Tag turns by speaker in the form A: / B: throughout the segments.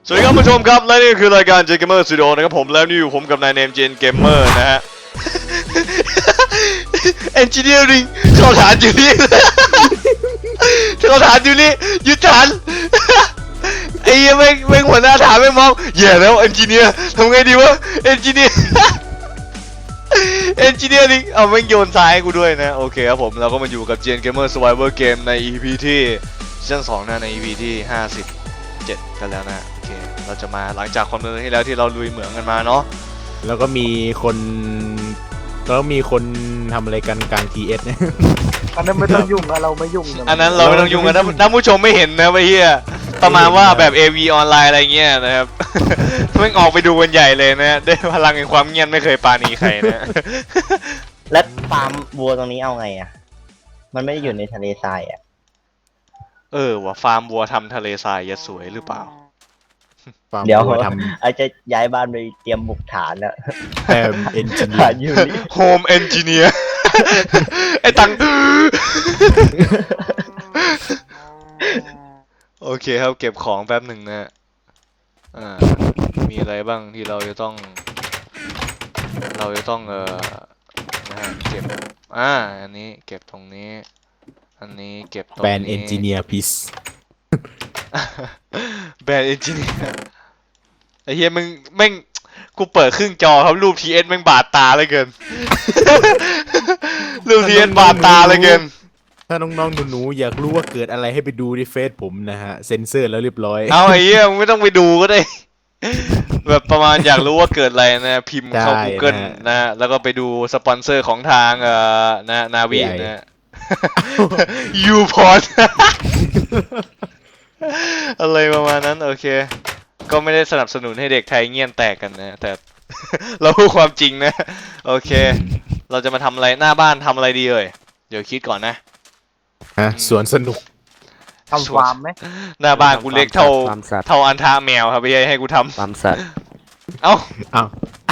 A: สวัสดีครับผู้ชมครับและนี่คือรายการ Gen Gamer Studio นะครับผมแล้วนี่อยู่ผมกับนายเนม Gen Gamer นะฮะ Engineering เข้าฐานอยู่นี่ เข้าฐานอยู่นี่ยึดฐาน ไอ้เหี้ยแม่งหัวหน้าฐานแม่งมองแย่แล้ว Engineer ทำไงดีวะ Engineer Engineering เอาแม่งโยนทรายให้กูด้วยนะโอเคครับผมเราก็มาอยู่กับ Gen Gamer Survivor Game ใน EP ที่ซีซั่น2นะใน EP ที่57กันแล้วนะโอเคเราจะมาหลังจากความเดินที่แล้วที่เราลุยเหมืองกันมาเนาะ
B: แล้วก็มีคนทำอะไรกันกลาง TS เนี่ย
C: อันนั้นไม่ต้องยุ่งนะเราไม่ยุ่งะ
A: อันนั้นเราไม่ต้องยุ่งกันถ้าผู้ชมไม่เห็นนะไอ้เหี้ยประมาณว่าแบบ AV ออนไลน์อะไรเงี้ยนะครับ แม่งออกไปดูกันใหญ่เลยนะได้พลังแห่งความเงียบไม่เคยปราณีใครนะ
D: แล้วฟาร์มวัวตรงนี้เอาไงอ่ะ มันไม่ได้อยู่ในทะเลทรายอ่ะ
A: ว่ะฟาร์มวัวทำทะเลทรายจะสวยหรือเปล่า
D: เดี๋ยว
B: ท
D: อาจจะย้ายบ้านไปเตรียมบุกฐานแล้ว
B: ำแต่เอนจิเนีย
D: ฐาน
B: ร์
D: อยู่นี่
A: Home Engineer ไอ้ตัง โอเคครับเก็บของแป๊บหนึ่งนะมีอะไรบ้างที่เราจะต้องนะฮะเก็บอันนี้เก็บตรงนี้อันนี้เก็บตรง
B: แบ
A: นี้
B: นเอนจิเนียร์พิส
A: แบรนด์เอนจิเนียร์ไอ้เหี้ยมึงแม่งกูเปิดครึ่งจอครับรูป TS แม่งบาดตาเลยเกิน รูป TS บาดตาเลยเกิน
B: ถ้าน้องๆหนูๆอยากรู้ว่าเกิดอะไรให้ไปดูที่เฟซผมนะฮะเซ็นเซอร์แล้วเรียบร้อย
A: เอาไอ้เหี้ยมึงไม่ต้องไปดูก็ได้ แบบประมาณอยากรู้ว่าเกิดอะไรนะพิมพ์เข้า
B: ได้
A: Google นะ แล้วก็ไปดูสปอนเซอร์ของทางนะนาวีนะ ยูพอร์ต อะไรประมาณนั้นโอเค ก็ไม่ได้สนับสนุนให้เด็กไทยเงียนแตกกันนะ แต่ เราพูดความจริงนะ โอเค เราจะมาทำอะไรหน้าบ้านทำอะไรดีเอ่ยเดี๋ยวคิดก่อนนะ
B: ฮะสวนสนุก
C: ทำฟาร์มไหม
A: หน้าบ้านกูเล็กเท่า
E: ฟาร์มสัตว์
A: เท่าอันทาแมวครับพี่ให้กูท
E: ฟาร์มสัตว์
A: ำเอ้า
B: เอา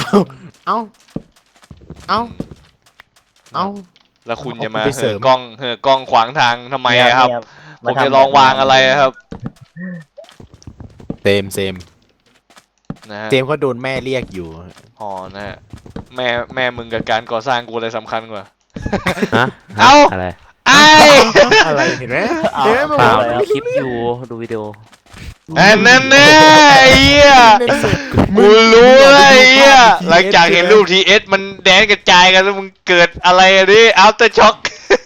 B: เอา
A: แล้วคุณจะมา
B: เอาไปเสริ
A: เห่
B: ม
A: อกล้องขวางทางทำไมอะครับ
D: เนี่ย
A: ผมจะลองวางอะไรอะครับ
B: เซม
A: นะฮะ
B: เจมส์เขาโดนแม่เรียกอยู่
A: อ๋อนะฮะแม่มึงกับการก่อสร้างกูอะไรสำคัญกว่า
E: ฮะ
A: เอ้า
E: อะไร
A: ไอ้
B: อะไรเห็นไหม
D: เอา
B: เห็นไหม
E: เปล่า
D: แล้ว
E: ดูคลิปอยู่ดูวิดีโอ
A: อันนั้นแน่ไอ้เหี้ยกูรู้แล้วไอ้เหี้ยหลังจากเห็นรูปทีเอสมันแดนกระจายกันแล้วมึงเกิดอะไรอะดิอัลเตอร์ช็อค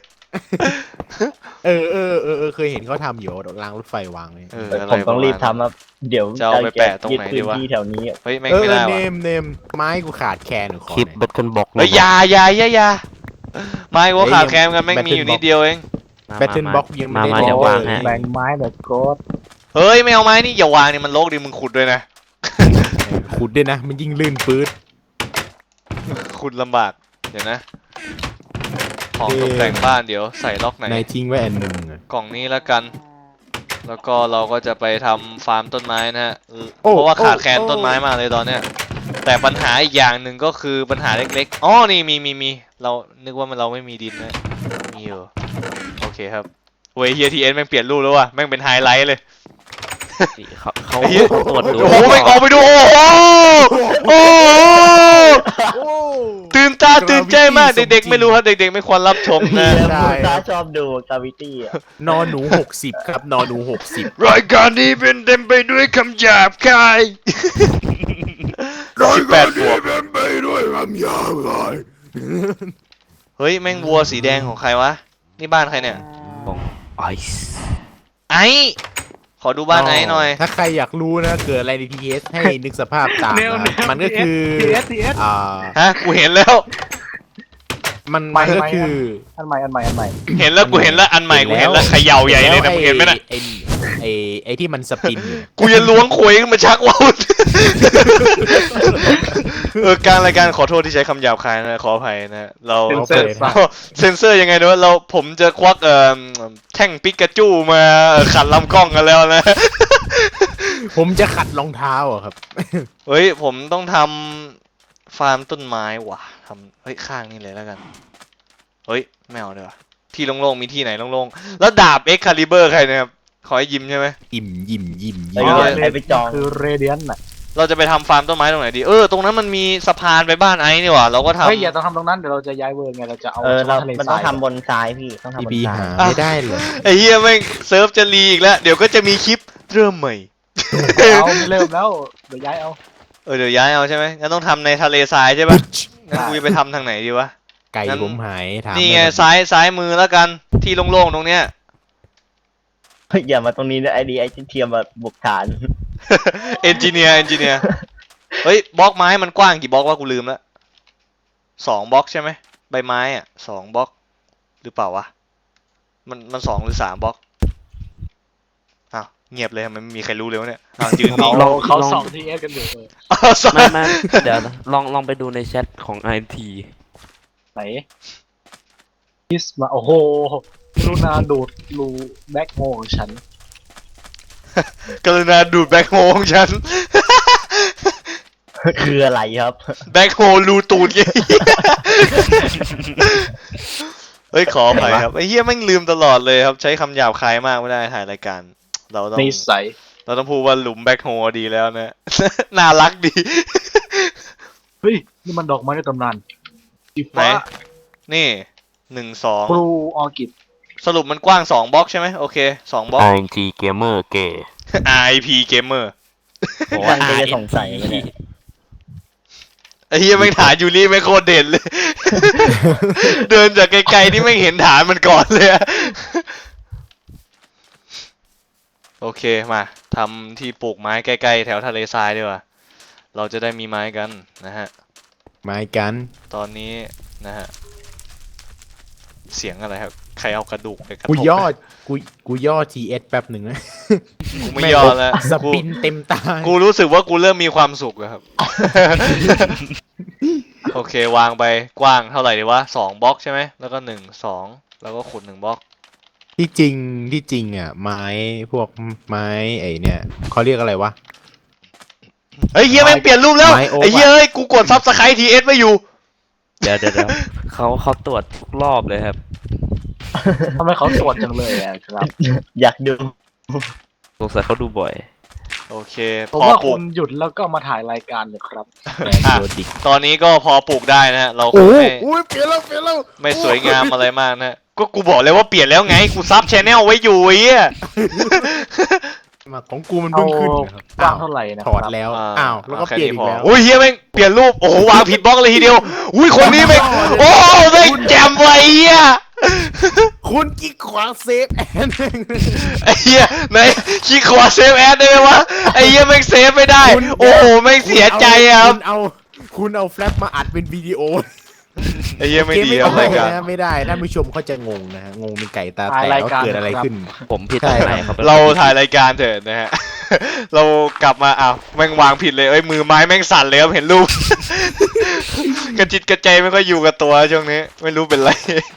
B: เคยเห็นเขาทำอยู่รางรถไฟวางเลย
A: อะไร
D: ผมต้องรีบ
A: ประมาณนั้น
D: ทำครับเดี๋ยว
A: จะเอาไปแปะตรงไหนดีวะ
D: ยึพื้ที่แถวนี้
A: เฮ้ยแม่งไม่ได้
B: เน
A: ว่ะ
B: มไม้กูขาดแคลนหรือขอ
E: คลิป
B: หน่อย
E: เบิดคนบอก
A: เฮ้ยอย่าไม่กูขาดแคลนกันแม่งมีอยู่นิดเดียวเอง
B: แบตเทิลบ็อกยังไม่ได้
E: มาเดี๋ยววางให้
C: แบ่งไม้แบบโกด
A: เฮ้ยไม่เอาไม้นี่อย่าวางนี่มันโลกดิมึงขุดด้วยนะ
B: ขุดด้วยนะ มันยิ่งลื่นปื๊ด
A: ขุดลำบากเดี๋ยวนะของตกแต่งบ้านเดี๋ยวใส่ล็อกไหน
B: นายทิ้งไว้อันหนึ่งอะ
A: กล่องนี้แล้วกัน แล้วก็เราก็จะไปทำฟาร์มต้นไม้นะฮะ
B: โอ้
A: เพราะว่าขาดแคลน
B: โอ้
A: ต้นไม้มากเลยตอนเนี้ย แต่ปัญหาอีกอย่างหนึ่งก็คือปัญหาเล็กๆ อ๋อ นี่มีเรานึกว่าเราไม่มีดินนะ มีอยู่ โอเคครับเว้ยเฮียทีเอ็นแม่งเปลี่ยนรูปแล้วว่ะ แม่งเป็นไฮไลท์เลย
E: เขา
A: ไอ้เหี้ย
E: ตรวจดู
A: โอ้โหแม่งออกไปดู โอ้โห โอ้โห ตื่นตาตื่นใจมาก เด็กๆไม่รู้ครับ เด็กๆไม่ควรรับชมนะ
D: เดี๋ยวคุณตาชอบดูกาวิตี้อ่ะ
B: นอหนู60ครับนอหนู60
A: รายการนี้เป็นเต็มไปด้วยคำหยาบคาย18 บวก
B: ไปด้วยคำยาวเลย
A: เฮ้ย แม่งวัวสีแดงของใครวะ นี่บ้านใครเนี่ย
E: ของไอซ์
A: ไอ้ ขอดูบ้านไอ้หน่อย
B: ถ้าใครอยากรู้นะเกิดอะไรใน TS ให้นึกสภาพตามนะครับมันก็คือ
C: ทีเอส
A: ฮะ กูเห็นแล้ว
B: มันก็คือ
C: อันใหม่
A: เห็นแล้วกูเห็นแล้วอันใหม่กูเห็นแล้วเขย่าใหญ่เลยนะมึงเห็นไหมน่ะ
B: ไอ้ที่มันสปินอยู่
A: กูจะล้วงขวยขึ้นมาชักว่าวกลางรายการขอโทษที่ใช้คำหยาบคายนะขออภัยนะเรา
C: เซนเซอร์
A: เซนเซอร์ยังไงนะผมจะควักแท่งปิกาจูมาขัดลำกล้องกันแล้วนะ
B: ผมจะขัดรองเท้าอะครับ
A: เฮ้ยผมต้องทำฟาร์มต้นไม้ว่ะทำเฮ้ยข้างนี่เลยแล้วกันเฮ้ยไม่เอาเลยว่ะที่โล่งๆมีที่ไหนโล่งๆแล้วดาบเอ็กคาลิเบอร์ใครเนะครับขอให้ยิ้มใช่ไหม
B: อิ่มยิ้มยิ้ม
D: ไอ้
B: ยิ้ม
D: ก็ไอ้ไปจอง
C: คือเรเดียนน่ะ
A: เราจะไปทำฟาร์มต้นไม้ตรงไหนดีตรงนั้นมันมีสะพานไปบ้านไอ้นี่หว่าเราก็ทำ
C: เฮ้ยอย่าต้องทำตรงนั้นเดี๋ยวเราจะย้ายเวิร์ไงเราจะเอา
D: เรา
C: ทะเล
D: มัน
C: ท
D: ต้
C: รา
D: อง
C: ย
D: ทำบนซ้ายพี่ต้องทำบน
B: พี
D: ซ้า
B: หาย ไม่ได้เหรอ
A: ไอ้เฮียแม่งเซิร์ฟจะรีอีกแล้วเดี๋ยวก็จะมีคลิปเริ่มใหม่
C: เอาไม่เริ่มแล้วเดี๋ยวย้ายเอา
A: เดี๋ยวย้ายเอาใช่ไหมงั้นต้องทำในทะเลทรายใช่ปะงั้นกูจะไปทำทางไหนดีวะ
B: ไก่
A: งั้น
B: ผมหายถาม
A: นี่ไง
B: ด้หม
A: ซ้ายมือแล้วกันที่โล่งๆตรงเนี้ย
D: เฮ้ยอย่ามาตรงนี้นะไอ้เทียมมาบุกฐาน
A: เอนจิเนียร์เฮ้ยบล็อกไม้มันกว้างกี่บล็อกวะกูลืมแล้ว2 บล็อกใช่ไหมใบไม้อ่ะ2 บล็อกหรือเปล่าวะมัน2 หรือ 3 บล็อกอ้าวเงียบเลยมันไม่มีใครรู้เลยวะเนี่ยอ้าวยืนนิ่ง
C: เขาส่องทีเอสกันอยู่
A: อ้าวสอง
E: ไม่เดี๋ยวนะลองไปดูในแชทของ IMT
C: ไหนพิสมาโอ้โหลูนาดูดรูแบ็คโฮของฉัน
A: กรุณาดูดแบ็คโฮของฉัน
D: คืออะไรครับ
A: แบ็คโฮรูตูดไง เฮ้ยขออภัยครับไอ้เหี้ยแม่งลืมตลอดเลยครับใช้คำหยาบคายมากไม่ได้ถ่ายรายการ เราต้อง
C: นิสัย
A: เราต้องพูดว่าหลุมแบ็คโฮดีแล้วนะ น่ารักดี
C: เฮ้ยนี่มันดอกไม้ในตำนานสี
A: ไหน
C: ฟ้า
A: นี่1
C: บลู
A: 2
C: ออร์คิด
A: สรุปมันกว้าง2 บล็อกใช่ไหมโอเค2 บล็อก
E: IMT Gamer เก๋
A: IP Gamer
E: บอก
D: มั
E: ว่าน
D: ก็จะสงสัยไหมเนี่ย
A: ไอ้เหี้ยแม่งฐานยูรี่ไม่งโคตรเด่นเลย เดินจากไกลๆนี่ไม่งเห็นฐานมันก่อนเลยอะโอเคมาทำที่ปลูกไม้ใกล้ๆแถวทะเลทรายดีกว่าเราจะได้มีไม้กันนะฮะ
B: ไม้กัน
A: ตอนนี้นะฮะเสียงอะไรครับใครเอากระดูกไปกระทบ
B: กูย่อ TS แป๊บหนึ่งนะ
A: กูไม่ยอมแล้ว
B: สปินเต็มตา
A: กูรู้สึกว่ากูเริ่มมีความสุขแล้วครับ โอเควางไปกว้างเท่าไหร่ดีวะ2 บล็อกใช่ไหมแล้วก็1 2แล้วก็ขุด1 บล็อก
B: ที่จริงอ่ะไม้พวกไม้ไอ้เนี่ยเขาเรียกอะไรวะ
A: เฮ้ยเฮียแม่งเปลี่ยนรูปแล้ว
B: ไม้โอ๊ค
A: ไอ้เฮียเอ้ยกูกดซับสไครต์ทีเอสไว้อยู่
E: เดี๋ยวเขาตรวจทุกรอบเลยครับ
C: ทำไมเขาตรวจจังเลยอะครับ
D: อยากดู
E: สงสัยเขาดูบ่อย
A: โอเค
C: ผม
A: พอ
C: ว่า
A: ปลู
C: คุ
A: ก
C: ณหยุดแล้วก็มาถ่ายรายการเลยครับ
B: แโดดิก
A: ตอนนี้ก็พอปลูกได้นะฮะเราค
B: โอ้
A: ง
B: โห
A: ไม่
B: เปลี่ยนแล้ว
A: ไม่สวยงามอะไรมากนะก็กูบอกเลยว่าเปลี่ยนแล้วไงกูซับชแนลไว้อยู่ไอ้เหี้ย
B: มาของกูมันเพิ่งขึ้นนะครับ
C: กว้างเท่าไหร่นะ
B: ถอดแล้วอ้าวแล้วก็
A: แค่
B: เปลี่ยนอี
A: พ
B: กแล้ว
A: อุ้ยเฮียแม่งเปลี่ยนรูปโอ้โหวางผิดบล็อกเลยทีเดียวอุ้ยคนนี้แม่งโอ้แม่งแจ่มไว้เหี้ย
B: คุณกิ๊กขวางเซฟแอน
A: ไอ้เหี้ยไหนขี้ขวาเซฟแอดได้ไหมวะไอ้เหี้ยแม่งเซฟไม่ได้ โอ้โหแม่งเสียใจอะครับ
B: คุณเอาแฟลชมาอัดเป็นวิดีโอ
A: ไอ้เหี้ยไม่ดีครับรายการ
B: ไม่ได้ท่านผู้ชมเขาจะงงนะฮะงงเป็นไก่ตา
C: ถ่าย
B: แต
C: ราก ย
B: ว่า
C: การ
B: เกิดอะไรขึ้น
E: ผมผิดตรงไหนครับ
A: เราถ่ายรายการเถอะนะฮะ เรากลับมาอ้าวแม่งวางผิดเลยเอ้ยมือไม้แม่งสั่นเลยครับเห็นรูป กระจิตกระใจไม่ค่อยอยู่กับตัวช่วงนี้ ไม่รู้เป็นไร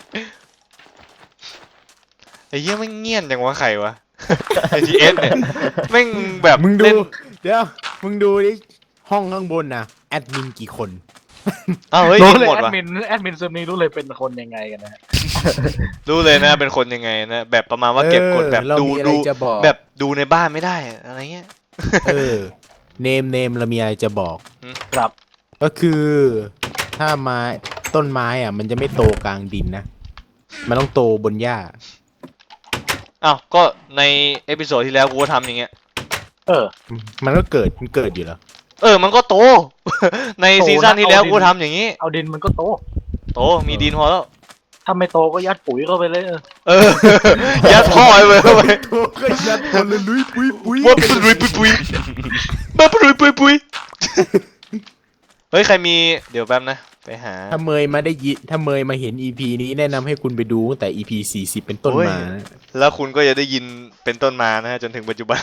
A: ไอ้เหี้ยแม่งเงียบจังวะใครวะ ไอทีเอสเนี่ยแม่งแบบ
B: มึงดู
A: เล่น
B: เดี๋ยวมึงดูดิห้องข้างบนนะแอดมินกี่คน
A: อ้าวเฮ้ย
C: รู้
A: ยิง
C: เลย
A: หมด
C: แอด
A: วะ
C: มินเซิร์ฟนี้รู้เลยเป็นคนยังไงกันนะฮะ
A: รู้เลยนะเป็นคนยังไงนะแบบประมาณว่าเก็บกดแบบ
B: เรา
A: ดู
B: มีอะไร
A: ดู
B: จะบอก
A: แบบดูในบ้านไม่ได้อะไรเงี้ย
B: เนมเรามีอะไรจะบอก
C: ครับ
B: ก็คือถ้าไม้ต้นไม้อ่ะมันจะไม่โตกลางดินนะ มันต้องโตบนหญ้า
A: อ้าวก็ในเอพิโซดที่แล้วกูก็ทำอย่างเงี้ย
B: มันก็เกิดอยู่แล้ว
A: มันก็โต ในซีซั่นที่แล้วกูทำอย่างนี้
C: เอาดินมันก็โต
A: โตมีดินพอแล้ว
C: ถ้าไม่โตก็ยัดปุ๋ยเข้าไปเลย
A: เออ ยัดท่อไปเลยเข้าไป
B: โตก็ยัดคนเลยลุยปุยปุย
A: ว่าปุยปุยปุยมาปุยปุยปุยเฮ้ยใครมีเดี๋ยวแป๊บนะไปหา
B: ถ้าเมยมาเห็น EP นี้แนะนำให้คุณไปดูตั้งแต่ EP 40 เป็นต้น
A: โอ้ย
B: มานะ
A: แล้วคุณก็จะได้ยินเป็นต้นมานะฮะจนถึงปัจจุบัน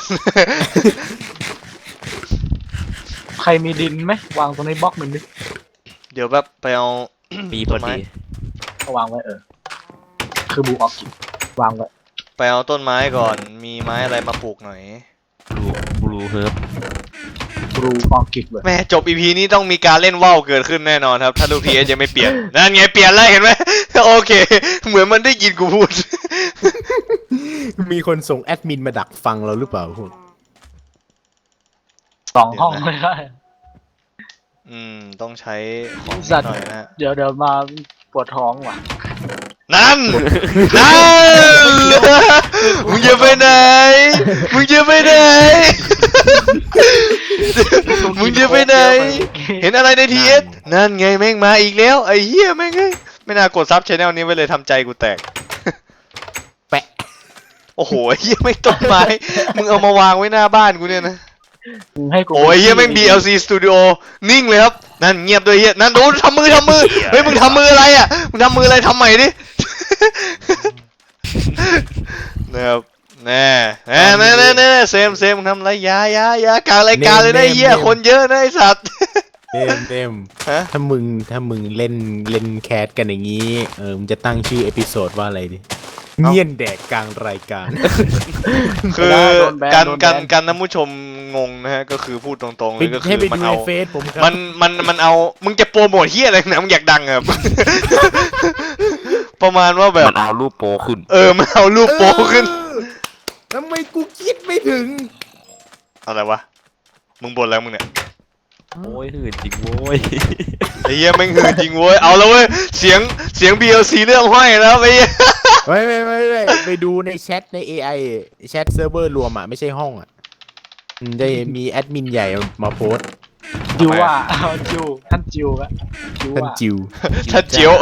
C: ใครมีดินไหมวางตรงในบล็อกหนึ่งดิ
A: เดี๋ยวแบบไปเอา
E: มีพอดี
C: เอาวางไว้คือบูออกกิวางไว้
A: ไปเอาต้นไม้ก่อนมีไม้อะไรมาปลูกหน่อย
E: บลูเฮิร์บ
C: บูออกกิเลย
A: แม่จบ EP นี้ต้องมีการเล่นว่าวเกิดขึ้นแน่นอนครับ ถ้าลูกทีเอสยังไม่เปลี่ยน นั่นไงเปลี่ยนแล้วเห็นไหม โอเค เหมือนมันได้ยินกูพูด
B: มีคนส่งแอดมินมาดักฟังเราหรือเปล่าพวก
C: 2 ห้องไม่ได้
A: ต้องใช้ของนิ
C: สั
A: ด
C: ตว์
A: หน่อยนะฮะ
C: เดี๋ยวมาปวดท้องว่ะ
A: นั่น มึงจะไปไหน มึงจะไปไหน มึงจะไปไหน เห็นอะไรในทีเอสนั่นไงแม่งมาอีกแล้วไอ้เหี้ยแม่งเอ้ยไม่น่ากดซับชแนลนี้ไว้เลยทำใจกูแตก
B: แปะ
A: โอ้โหไอ้เหี้ยไม่ต้นไม้ มึงเอามาวางไว้หน้าบ้านกูเนี่ยนะ
C: มึงให้กู
A: โอ้ยเฮียแม่ง DLC Studio นิ่งเลยครับ นั่นเงียบด้วยเฮียนั่นดูทำมือเฮ้ยมึงทำมืออะไรอ่ะมึงทำมืออะไรทำใหม่ดิ นะครับแน่เซมมึงทำอะไรอยากลางรายการเลยนะไอ้เฮียคนเยอะนะไอสัตว์
B: เต็ม
A: ฮะ
B: ถ้ามึงเล่นแคสกันอย่างนี้มึงจะตั้งชื่อเอพิโซดว่าอะไรดิเงียนแดกกลางรายการ
A: คือการท่านผู้ชมงงนะฮะก็คือพูดตรงๆเลยก็คื
B: ให้
A: อ
B: ไป
A: มัน
B: ดูใน
A: เอา
B: เฟซผมครับ
A: มันเอามึงจะโปรโมทเฮียอะไรนะมึงอยากดังอะครับ ประมาณว่าแบบ
E: มันเอารูปโปขึ้น
A: มันเอารูปโปขึ้น
B: ทำไมกูคิดไม่ถึง
A: อะไรวะ มึงบ่นแล้วมึงเนี่ย
E: โอ้ยหื่นจริงโว้ย
A: ไอ้เหี้ยแม่งหืนจริงเว้ย เอาแล้วเว้ย เสียง BLC เรื่องห้อยแล้วไอ้เหี้ย
B: ไม่ไปดูในแชทใน AI แชทเซิร์ฟเวอร์รวมอ่ะไม่ใช่ห้องอ่ะมันจะมีแอดมินใหญ่มาโพสต์
C: จิวว่าเอาจิวท่านจิวอะจิว
B: ท่าน
C: ว่า
B: จิว
A: ถ้าเจียว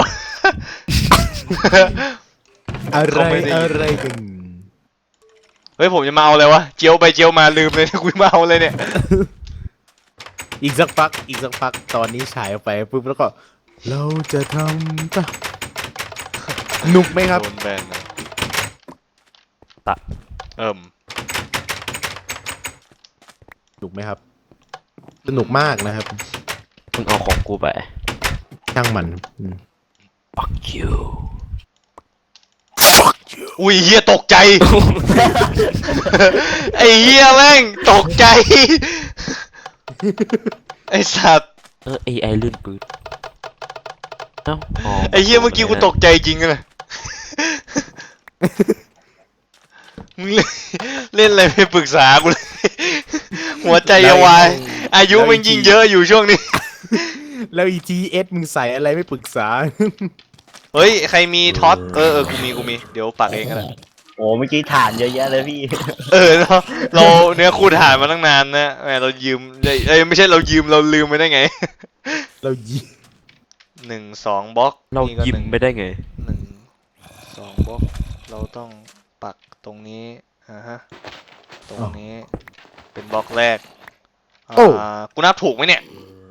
B: อะไรกัน
A: เฮ้ยผมจะมาเอาอะไรวะ เจียวไปเจียวมาลืมเลย นะกูมาเอาเลยเนี่ย
B: อีกสักพักตอนนี้ฉายออกไปปุ๊บแล้วก็ เราจะทำป่ะหนุกไหมครับ
A: โดนแบนนะ
E: ตะ
B: หนุกไหมครับ สนุกมากนะครับ
E: มึงเอาของกูไป
B: ช่างมัน
E: fuck you
A: อุ้ยเฮียตกใจ ไอ้เฮียแม่งตกใจ ไอ้สัตว์
E: AI ลื่นปืนเอ้าอ๋อ
A: ไอ้เฮียเมื่อกี้กูตกใจจริงเลยมึงเล่นอะไรไม่ปรึกษากูเลย หัวใจจะวาย อายุมันยิ่งเยอะอยู่ช่วงนี้
B: แล้ว ETS มึงใส่อะไรไม่ปรึกษา
A: เฮ้ย ใครมีท็อตกูมี เดี๋ยวปักเองก็ได้
D: โอ้เมื่อกี้ฐานเยอะแยะเลยพี่
A: เราเนื้อคู่ถ่ายมาตั้งนานนะแหมเรายืมไม่ใช่เรายืมเราลืมไปได้ไง
B: เรายิง
A: 1-2บล็อก
E: เรา
A: นี่ก็
E: ยิ้ม
A: หนึ่ง
E: ไปได้ไง
A: 1-2บล็อกเราต้องปักตรงนี้ฮะตรงนี้เป็นบล็อกแรกกูนับถูกไหมเนี่ย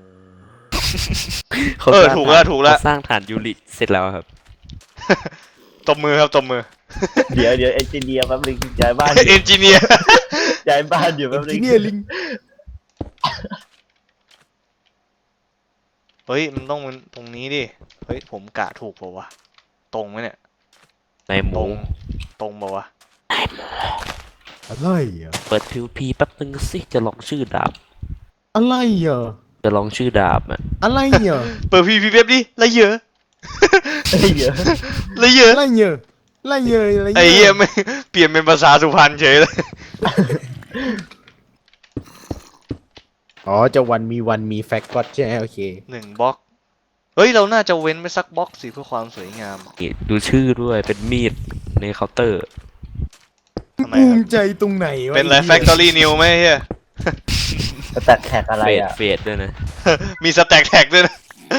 E: เขาสร้าง
A: ถูกแล้ว
E: เขาสร้างฐานยูริเสร็จแล้วครับ
A: ตบมือครับตบมือ
D: เดี๋ยวเอนจิเนียร์แป๊บนึงย้ายบ้าน
A: เอนจิเนียร์
D: ย้ายบ้านอยู่แป๊บนึ
B: ที
D: ง
B: เนี่ยลิง
A: เฮ้ยมันต้องตรงนี้ดิเฮ้ยผมกะถูกเปล่าวะตรงไหมเนี่ย
E: ในห
A: ตร
E: มู
A: งเปล่าวะ
B: อะไรอ่ะ
E: เปิด PVP แป๊บนึงสิจะลองชื่อดาบ
B: อะไรอ่ะ
E: จะลองชื่อดาบอ่ะ
B: อะไรอ่ะ
A: เปิดพีเว็บดิละเยอะ
D: เยอะ
A: ละเยอะ
B: อะไรเยอะอะไรเยอะอะไรเยอะ
A: ไอ้เหี้ยไม่เปลี่ยนเป็นภาษาสุพรรณเฉยเลย
B: อ๋อจะวันมีแฟกต์ก็ใช่ไหมโอเค
A: 1บล็อกเฮ้ยเราน่าจะเว้นไปสักบล็อกสิเพื่อความสวยงาม
E: นี่ดูชื่อด้วยเป็นมีดในเคาน์เตอร์
A: ทำไม
B: ภู
A: ครับ
B: มิใจตรงไหนวะ
A: เป็นอะไร
B: ไอ้หี้ย
A: Factory New ไหมเฮีย
D: แต่แท็กอะไรอ่ะ
E: เฟดด้วยนะ
A: มีสแต็กแท็กด้วยนะ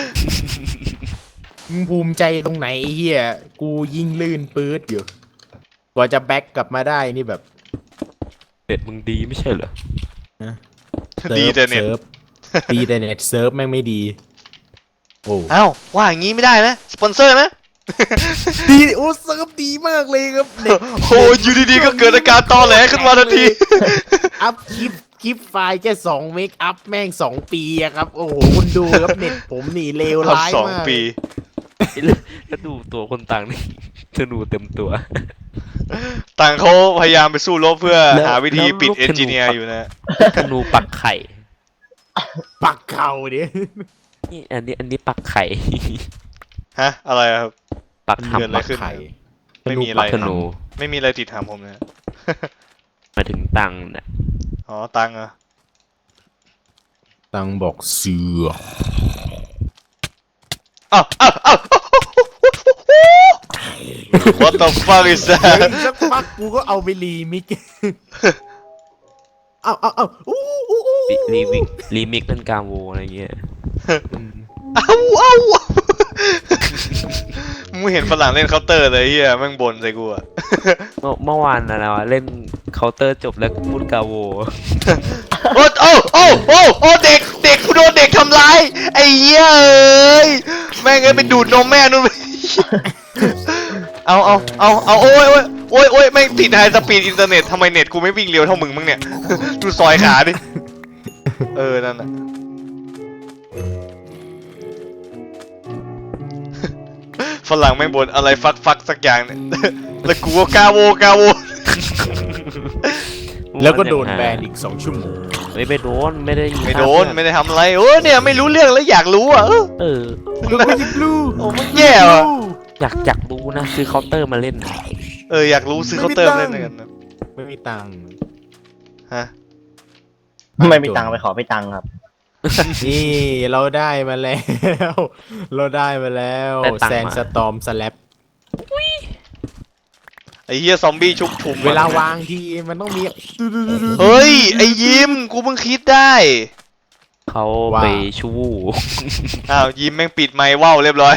B: มึงภูมิใจตรงไหนไอ้เหี้ยกูยิ่งลื่นปื๊ดอยู่กว่าจะแบ็กกลับมาได้นี่แบบ
E: เฟดมึงดีไม่ใช่เหรอ
A: ดีแต่เน็ต
B: ดีแต่เน็ตเซิร์ฟแม่งไม่ดีโอ้
A: อ้าวว่าอย่างงี้ไม่ได้นะสปอนเซอร์นะ
B: ดีโอ้เซิร์ฟดีมากเลยครับเน็ต
A: โอ้อยู่ดีๆก็เกิดอาการตอแหลขึ้นมาทันที
B: อัพคลิปไฟล์แค่2 เมกอัพแม่ง2 ปีอะครับ โอ้โหคุณดูครับเน็ตผมนี่เลวร้าย
A: สอง
B: มาก
A: ปี
E: แล้วดูตัวคนต่างนี่ ธนูเต็มตัว
A: ต่างเขาพยายามไปสู้รบเพื่อ
E: แล้ว
A: หาวิธี
E: แล้ว
A: ปิด
E: ลูกธนู
A: เอนจิเนียร์อยู่นะ
E: ธนูปักไข่
B: ปักเข่าดิ
E: นี่อันนี้ปักไข่
A: ฮะ อะไรอะครับ
E: ปัก
A: เกิดอะไร
E: หำ
A: ขึ้น
B: ไข่
A: ไม่มีอะไร
E: ธนู
A: ไม่มีอะไรติดถามผมเลย
E: มาถึงตังค์เนี่ย
A: อ๋อตังค์เหรอ
B: ตังบอกเสือ
A: อ้าวอ้าวอ้าว What the fuck is
B: เดี๋ยว
A: that
B: อีกสักพักกูก็เอาไปรีมิก เอาอู้อู้อู้
E: รีมิกเล่นกาโวอะไรเงี้ย
A: อ้าวอ้าว มึงเห็นฝรั่งเล่นเคาน์เตอร์เลยเฮียแม่งบ่นใส่กูอะ
E: เมื่อวานอะไรวะเล่นเคาน์เตอร์จบแล้วพูดกาโว
A: โอ้โอ้โอ้โอ้โอ้เด็กเด็กกูโดนเด็กทำร้ายไอ้เหี้ยเอ้ยแม่งเอ้ยไปดูดนมแม่นู่นไปเอาโอ้ยโอ้ยแม่งติดไฮสปีดอินเทอร์เน็ตทำไมเน็ตกูไม่วิ่งเร็วเท่ามึงมั้งเนี่ย ดูซอยขาดินั่นน่ะฝรั่งแม่งบ่นอะไรฟักสักอย่างเนี่ย แล้วกูก็กาโว
B: แล้วก็โดนแบนอีก2 ชั่วโมง
E: ไม่โดนไม่ได้
A: ไม่โดนไม่ได้ทำอะไรเนี่ยไม่รู้เรื่องแล้วอยากรู้อ่ะ
E: เออ
B: แล้วก็ยิงลู
A: โอ้มันแย่ว่ะ
E: อยากรู้นะซื้อเคาน์เตอร์มาเล่น
A: อยากรู้ซื้อเคาน์เตอร์มาเล่นกันนะ
B: ไม่มีตังค์
A: ฮะ
D: ไม่มีตังค์ไปขอไปตังค์ครับ
B: นี่เราได้มาแล้ว เราได้มาแล้ว
E: ได้ตังค์
B: แซน
E: มา
B: สตอมสแลป
A: ไอ้เหี้ยซอมบี้ชุบชุม
B: เวลาวางทีมันต้องมี
A: เฮ้ยไอ้ยิมกูเพิ่งคิดได้
E: เขาไปชู้
A: อ้าวยิมแม่งปิดไมค์ว่าวเรียบร้อย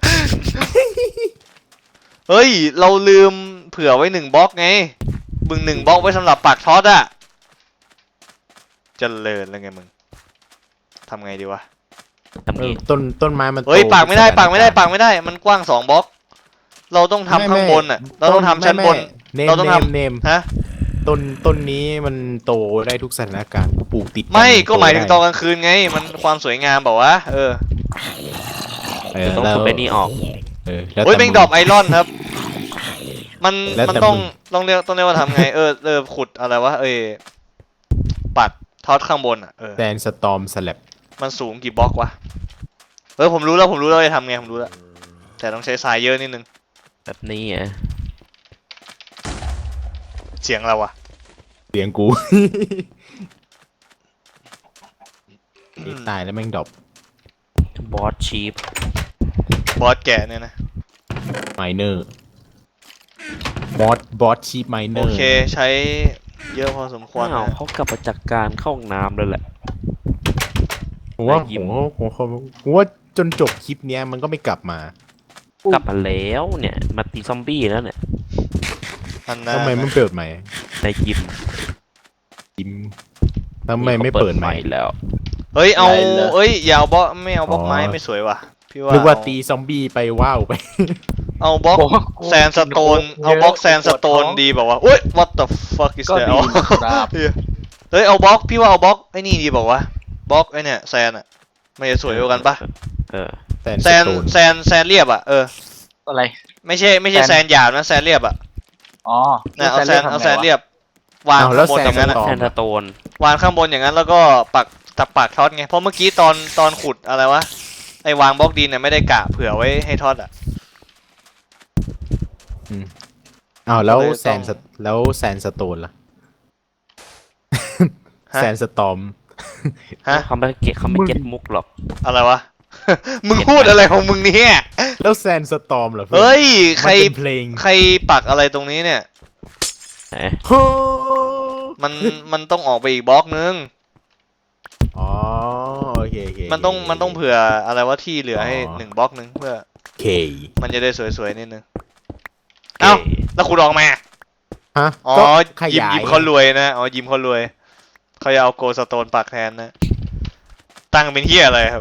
A: เฮ้ยเราลืมเผื่อไว้1 บล็อกไงมึง1 บล็อกไว้สำหรับปักท็อตอะเจริญแล้วไงมึงทำไงดีวะ
E: ทำงี้
B: ต้นไม้มันโต
A: เฮ้ยปักไม่ได้
B: ทุ
A: ปักไม่ได้
B: สถาน
A: ปักไม่ได้มันกว้าง2 บล็อก เราต้องทำข้างบนอะเราต้องทำชั้นบน เราต้องทำ
B: เนม
A: ฮะ
B: ต้นนี้มันโตได้ทุกสถานการณ์กูปลูกติด
A: ไม่ก็หมายถึงตอน
B: โ
A: กลางคืนไง มันความสวยงามบอกว่า
B: เออ
E: ต้อง
B: แล้ว
E: ขุดไปนี่ออก
B: แล้ว
A: เฮ้ย
B: แต่
A: แม่งดรอปไอรอนครับ มัน
B: แล้ว
A: มัน
B: แต่
A: ต้อง
B: มึง
A: ต้องเรียกว่าทำไง ขุดอะไรวะปักท็อตข้างบนอ่ะ
B: แซนสตอมสแลป
A: มันสูงกี่บล็อกวะผมรู้แล้วจะทำไงผมรู้แล้วแต่ต้องใช้ทรายเยอะนิดนึง
E: แบบนี้อ่ะ
A: เสียงเราอะ
B: เสียงกู นี่ตายแล้วแม่งดรอป
E: บอสชีฟ
A: บอสแก่เนี่ยนะ
B: ไมเนอร์บอสชีพไมเนอ
A: โอ
B: ร์
A: เคใช้เยอะพอสมควร
E: ว้าว
A: นะ
E: เขากลับมาจากการเข้าห้องน้ำเลยแหละ
B: ผมว่า
E: ได้ยิน
B: ผมว่าจนจบคลิปเนี้ยมันก็ไม่กลับมา
E: กลับมาแล้วเนี่ยมาตีซอมบี้แล้วเนี่ย
A: อันนั้น
B: ทำไมไม่เปิดใหม่
E: ในยิม
B: จิมทำไมไม่เปิดใหม่
E: แล้ว
A: เฮ้ยเอา
D: ได้เลย
A: อย่าเอาบล็อกไม่เอาบล็อก
B: อ๋อ
A: ไม้ไม่สวยว่ะพี่ว่า
B: นึกว่าตีซอมบี้ไปว้าวไป
A: เอาบล็อก
C: บอกว่ากู
A: แซนสโตนเอาบล็อกแซนสโตนดีแบบว่าอุ้ย what the fuck is
C: ก็
A: that
C: ดีนะครับ
A: เฮ้ยเอาบล็อกพี่ว่าเอาบล็อกไอ้นี่ดีบอกว่าบล็อกไอ้เนี่ยแซนอะมันจะสวยกว่ากันปะ
E: เออ
B: แซน
A: แซนเรียบอะ
C: อะไร
A: ไม่ใช่แซนหยาบนะแซนเรียบอะ
C: อ๋อ
A: นะเอาแซน
C: ทำไงวะ
A: เรียบวาง
B: เอาแล้
A: ข้าว งบนอย่างนั้นอะ
B: ต่อ
E: แทนสโตน
A: วางข้างบนอย่างนั้นแล้วก็ปักท็อตไงเพราะเมื่อกี้ตอนขุดอะไรวะไอ้วางบล็อกดินเนี่ยไม่ได้กะเผื่อไว้ให้ท็อตอะ
B: อ้าวแล้ว
A: ก็เลยต้อง
B: แซนสโตนล่ะ
A: ฮะ
B: แซนสตอม
A: ฮะ
E: เขาไม่เก็ตมุกหรอก
A: อะไรวะ มึงพูดอะไรของมึงเนี่ย
B: แล้วแซนสตอมเหรอพื่อน
A: เฮ้ยใคร
B: มันเป็นเพลง
A: ใครปักอะไรตรงนี้เนี่ย
E: ไหน
B: โอ้
A: มันต้องออกไปอีกบล็อกนึง
B: อ๋อโอเคโอเค
A: มันต้องเผื่ออะไรว่าที่เหลือให้
B: อ๋อ
A: 1 บล็อกนึงเพื่อ
B: เค
A: มันจะได้สวยๆนิดนึง เอ้า แล้วขุดออกมา
B: ฮะ
A: อ๋อ
B: ก็ข
A: ยิม
B: ยาย
A: เขารวยนะอ๋อยิมเขารวยเขาจะเอาโกลสโตนปักแทนนะ ตั้งเป็นเฮียอะไรครับ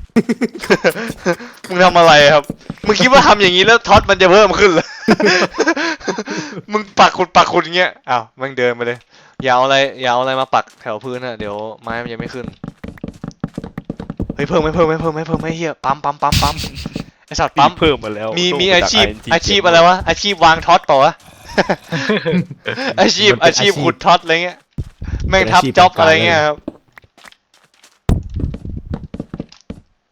A: มึงทำอะไรครับ มึงคิดว่าทำอย่างนี้แล้วท็อตมันจะเพิ่มขึ้นเหรอ มึงปักขุดอย่างเงี้ยอ้าวมึงเดินไปเลยอย่าเอาอะไรมาปักแถวพื้นนะเดี๋ยวไม้มันจะไม่ขึ้นเฮ้ยเพิ่มไหมเฮียปั๊มไอสัตว์ปั๊ม
E: เพิ่มมาแล้ว
A: มีอาชีพอะไรวะอาชีพวางท็อตเปล่าวะ อาชีพขุดท็อตอะไรเงี้ยแม่งทับจ็อบอะไรเงี้ยครับ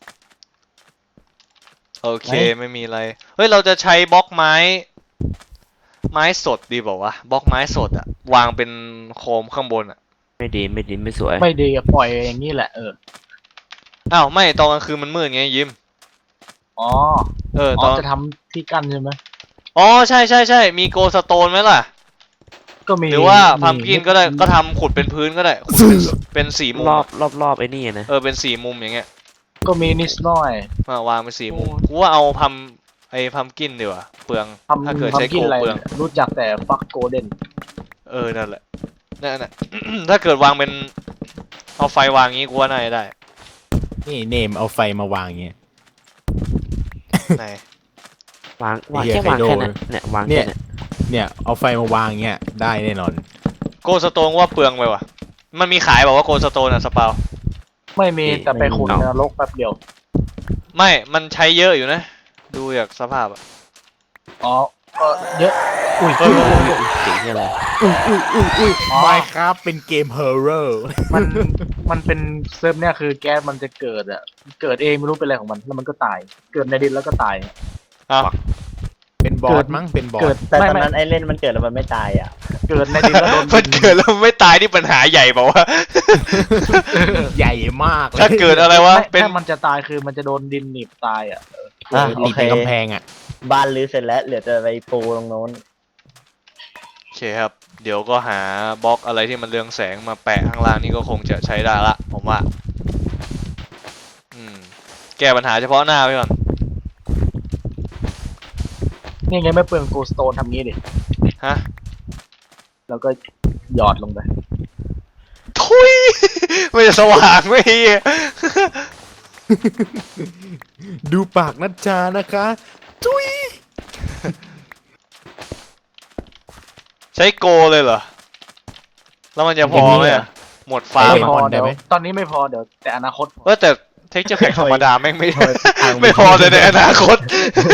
A: โอเคไม่มีอะไรเฮ้ยเราจะใช้บล็อกไม้ไม้สดดีเปล่าวะบล็อกไม้สดอะวางเป็นโคมข้างบนอะ
E: ไม่ดีไม่สวย
C: ไม่ดีอะปล่อยอย่างนี้แหละ
A: อ้าวไม่ตอนกลางคืนมันมืดไงยิม
C: อ๋อ
A: ต
C: อ๋
A: อ
C: อน จะทำที่กั้นใช่ไหม
A: อ๋อใช่มีโกสโตนไหมล่ะ
C: ก็มี
A: หรือว่าพัมกินก็ได้ก็ทำขุดเป็นพื้นก็ได้ขุดเป็นสี่มุม
E: รอบไอ้นี่นะ
A: เป็นสี่มุมอย่างเงี้ย
C: ก็มีนิดหน่อย
A: วางเป็นสี่มุมกูว่าเอาพัมกินดีกว่าเปลือง
C: ทำ
A: ถ้าเกิด
C: ทำ
A: ใช้
C: กิ
A: โก
C: นอะไร
A: เปลือง
C: รู้จักแต่ฟักโกลเด้น
A: นั่นแหละนั่น ถ้าเกิดวางเป็นเอาไฟวางงี้กูว่าน่าจะได้
B: นี่เนมเอาไฟมาวางอย่างเงี้ย
A: ไหน
E: วาง
B: ไอ้เหี้ย
E: แค่วาง
B: ไคโด
E: แค่นั้นเนี่ยวาง
B: เนี่
E: แค่
B: ย
E: นั้น
B: เนี่ยเอาไฟมาวางอย่างเงี้ยได้แน่นอน
A: โกสโตนว่าเปลืองไปว่ะมันมีขายบอกว่าโกสโตนอะสปาว
C: ไม่มีแต่ไปขุดในนรกแป๊บเดียว
A: ไม่มันใช้เยอะอยู่นะ ดูจากสภาพอะ
C: อ๋อก็เยอะ อุ้ย
E: สีนี่อะไร
C: อ๋อ
B: Minecraft เป็นเกม horror
C: มันเป็นเซิร์ฟเนี่ยคือแก๊สมันจะเกิดเกิดเองไม่รู้เป็นอะไรของมันแล้วมันก็ตาย เกิดในดินแล้วก็ตาย
A: อ้าว
B: เป็นบอสมั้งเป็นบอ
C: เกิ
B: ส
C: ด
D: แต่
C: ไม่
D: ตอน
C: ไม่
D: นั้นไอ้เล่นมันเกิดแล้วมันไม่ตายอ่ะ
C: เกิดในดินแล้วโดน
A: มันเกิดแล้วไม่ตายนี่ปัญหาใหญ่เปล่าวะ
B: ใหญ่มาก
A: ถ้าเกิดอะไรวะ
C: ไม่
A: เป็น
C: ถ้ามันจะตายคือมันจะโดนดินหนีบตายอ่ะ
D: อ่ะ
B: ห
D: โอ
B: นีบ
D: เค
B: เป็นกำแพงอ่ะ
D: บ้านรื้อเสร็จแล้วเหลือจะไปปูตรงโน้น
A: โอเคครับ เดี๋ยวก็หาบล็อกอะไรที่มันเรืองแสงมาแปะข้างล่างนี่ก็คงจะใช้ได้ละผมว่า แก้ปัญหาเฉพาะหน้าไปก่อน
C: นี่ไงไม่เปลืองโกสโตนทำงี้ดิ
A: ฮะ
C: แล้วก็หยอดลงไป
A: ทุย ไม่จะสว่างไม่เหี้ย
B: ดูปากนัชชานะคะจุ้ย
A: ใช้โกเลยเหรอ แล้วมันจะพอไหมอะหมดฟาร์ม
C: ไม่
A: อะ
C: พอเดี๋ยวตอนนี้ไม่พอเดี๋ยวแต่อนาคตพอ
A: แต่เทคเจอร์แพ็กธรรมดาแม่งไม่
D: ทำไมทาง
A: ไม่พอแต่ในอนาคต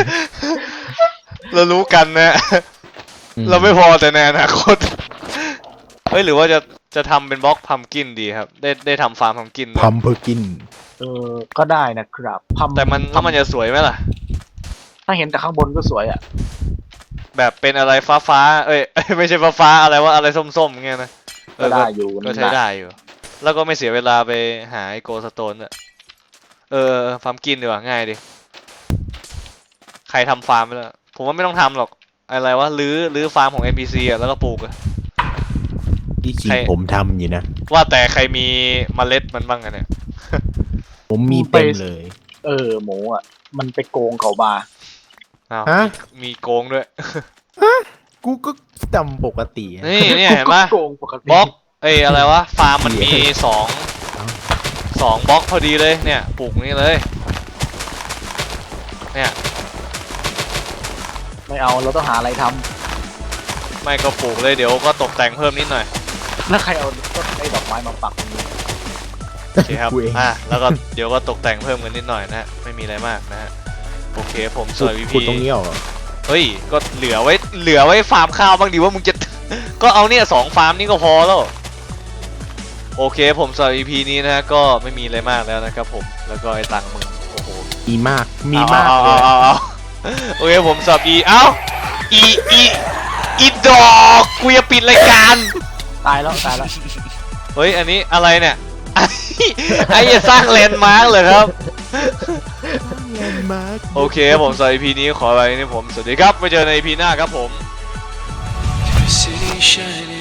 A: เรารู้กันนะ เราไม่พอแต่ในอนาคต เฮ้ยหรือว่าจะทำเป็นบล็อกพัมกินดีครับ ได้ทำฟาร์มพัมกินด้วย
B: พัมเพอร์กิน
C: ก็ได้นะครับพัม
A: แต่มันแล้วมันจะสวยไหมล่ะ
C: ถ้าเห็นแต่ข้างบนก็สวยอ่ะ
A: แบบเป็นอะไรฟ้าเอ้ย ไม่ใช่ฟ้าอะไรว่าอะไรส้มๆเงี้ยนะ
C: ก็ได้อยู่
A: ก็ใช้ได้อยู่ แล้วก็ไม่เสียเวลาไปหาไอโกสโตนอ่ะฟาร์มกินดีกว่าง่ายดิ ใครทำฟาร์มไปแล้วผมว่าไม่ต้องทำหรอกอะไรวะรื้อฟาร์มของ NPC อ่ะแล้วก็ปลูกอ่ะ
B: ที่จริง
A: ใคร
B: ผมทำอยู่นะ
A: ว่าแต่ใครมีเมล็ดมันบ้างอะเนี่ย
B: ผมมีเต็มเลย
C: หมูอ่ะ มันไปโกงเขาบา
A: อ้าว
B: ฮะ
A: มีโกงด้วย
B: กูก็จำปกติอะ
A: นี่เนี่ยเห็นปะ
C: โกงปกติ
A: บล็อกอะไรวะฟาร์มมันมีสองบล็อกพอดีเลยเนี่ยปลูกนี่เลยเนี่ย
C: ไม่เอาเราต้องหาอะไรท
A: ไม่ก็ปลูกเลยเดี๋ยวก็ตกแต่งเพิ่มนิดหน่อย
C: ำแล้วใครเอาต้นไอ้ดอกไม้มาปักตรงนี้
A: โอเคครับ
B: กูเอง
A: แล้วก็เดี๋ยวก็ตกแต่งเพิ่มกันนิดหน่อยนะฮะไม่มีอะไรมากนะฮะโอเคผมสวย
B: ขุด
A: VP
B: ตรงนี้เหรอ
A: เฮ้ยก็เหลือไว้ฟาร์มข้าวบ้างดีว่ามึงจะ ก็เอาเนี่ย2 ฟาร์มนี่ก็พอแล้วโอเคผมสำหรับ EP นี้นะฮะก็ไม่มีอะไรมากแล้วนะครับผมแล้วก็ไอ้ตังค์มึงโอ้โห
B: มีมากมีมาก
A: เอา
B: เลย
A: เอาโอเคผมสอบอีดอกกูจะปิดรายการ
C: ตายแล้ว
A: เฮ้ยอันนี้อะไรเนี่ย ไอ้จะสร้างแลนด์มาร์กเลยครับ
B: แลนด์มาร์ค
A: โอเคผมสำหรับ EP นี้ขอไปนี่ผมสวัสดีครับไว้เจอใน EP หน้าครับผม
F: City shining